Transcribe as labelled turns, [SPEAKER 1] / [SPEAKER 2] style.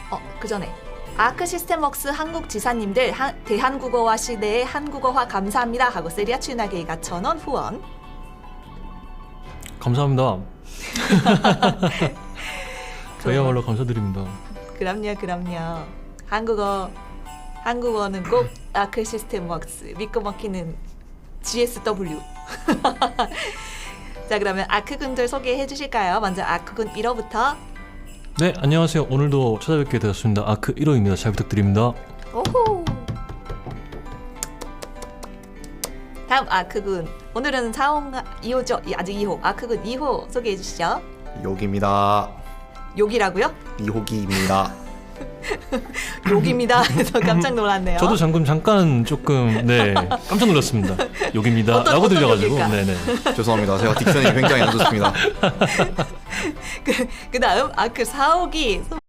[SPEAKER 1] 그 전에 아크 시스템웍스 한국 지사님들 대한국어화 시대의 한국어화 감사합니다 하고 세리아 춘하게이가 1,000원 후원.
[SPEAKER 2] 감사합니다. 저희야말로 감사드립니다.
[SPEAKER 1] 그럼요. 한국어는 꼭 아크 시스템웍스 믿고 먹히는 GSW. 자, 그러면 아크군들 소개해 주실까요? 먼저 아크군 1호부터.
[SPEAKER 2] 네, 안녕하세요. 오늘도 찾아뵙게 되었습니다. 아크 1호입니다. 잘 부탁드립니다.
[SPEAKER 1] 오호. 다음 아크군. 오늘은 2호죠. 아직 2호. 아크군 2호 소개해 주시죠.
[SPEAKER 3] 욕입니다.
[SPEAKER 1] 욕이라고요?
[SPEAKER 3] 이호기입니다.
[SPEAKER 1] 욕입니다. 그래서 깜짝 놀랐네요.
[SPEAKER 2] 저도 잠깐 조금 깜짝 놀랐습니다. 욕입니다.
[SPEAKER 1] 어떤
[SPEAKER 2] 라고 들려가지고.
[SPEAKER 1] 욕일까?
[SPEAKER 2] 네네.
[SPEAKER 3] 죄송합니다. 제가 딕션이 굉장히 안 좋습니다.
[SPEAKER 1] 그 다음 아크 4호기